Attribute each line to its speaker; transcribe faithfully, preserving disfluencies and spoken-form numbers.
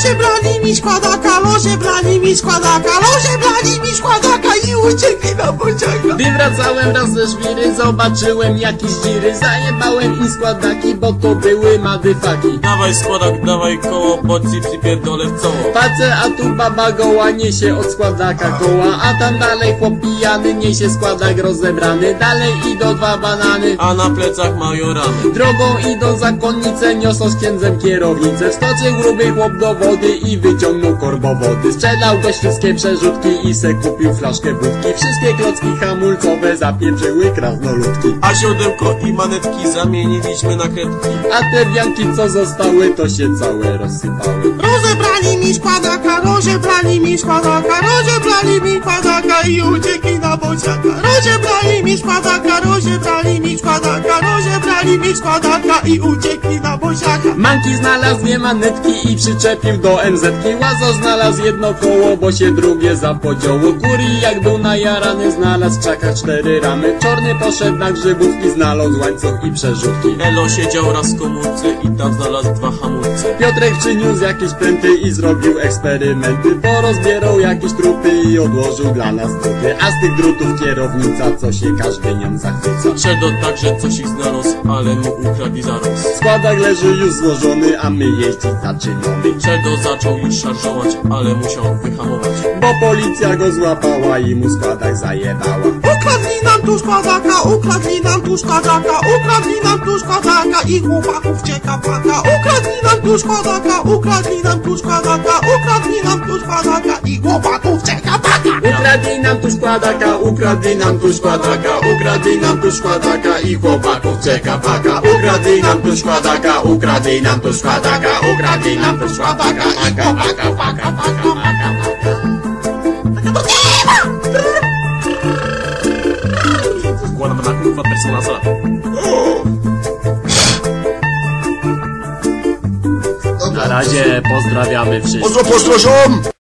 Speaker 1: Loże brali mi składaka, loże brali mi składaka, loże brali mi składaka i uciekli na bociaka.
Speaker 2: Gdy wracałem raz ze żwiry, zobaczyłem jakieś dziry. Zajebałem im składaki, bo to były madyfaki.
Speaker 3: Dawaj składak, dawaj koło, bo ci przypierdolę w coło.
Speaker 2: Patrzę, a tu baba goła niesie od składaka koła, a tam dalej chłop pijany niesie składak rozebrany. Dalej idą dwa banany,
Speaker 3: A na plecach mają ramy.
Speaker 2: drogą idą zakonnice, niosą z księdzem kierownicę. Wskoczył gruby chłop do wody i wyciągnął korbo wody. Sprzedał gość wszystkie przerzutki i se kupił flaszkę wódki. Wszystkie klocki hamulcowe zapieprzyły krasnoludki.
Speaker 3: A siodełko i manetki zamieniliśmy na kredki.
Speaker 2: A te wianki co zostały, to się całe rozsypały.
Speaker 1: Rozebrali mi składaka, rozebrali mi składaka, rozebrali mi składaka i uciekli na bociaka. Rozebrali mi składaka, rozebrali mi składaka, rozebrali mi składaka i uciekli na bociaka.
Speaker 2: Manki znalazł dwie manetki i przyczepił do em zetki. Łazo znalazł jedno koło, bo się drugie zapodziało. Kuri jak był najarany, znalazł w krzakach cztery ramy. Czorny poszedł na grzybówki, znalazł łańcuch i przerzutki.
Speaker 3: Elo siedział raz w komórce i tam znalazł dwa hamulce.
Speaker 2: Piotrek przyniósł jakieś pręty i zrobił eksperymenty. Porozbierał jakieś trupy i odłożył dla nas druty. A z tych drutów kierownica, co się każdy nią zachwyca.
Speaker 3: Szedł także coś ich znalazł, ale mu ukradli zaraz.
Speaker 2: Składak leży już złożony, a my jeździć zaczynamy.
Speaker 3: Szedł zaczął już szarżować, ale musiał wyhamować.
Speaker 2: Bo policja go złapała i mu składak zajebała.
Speaker 1: Ukradli nam tu składaka, ukradli nam tu składaka, ukradli nam tu składaka i chłopaków cieka paka. Ukradli nam tu składaka, ukradli nam tu składaka, ukradli nam tu składaka i chłopaków cieka paka.
Speaker 2: Ukradli nam tu składaka, ukradli nam tu składaka, ukradli nam tu składaka i chłopaków czeka paka. Ukradli nam tu składaka, ukradli nam tu składaka, ukradli nam tu składaka i chłopaków paka, paka, paka, paka.
Speaker 3: Wkładam na kurwa personaza.
Speaker 2: Na razie pozdrawiamy wszystkich.
Speaker 4: Pozdro, pozdro, ziom!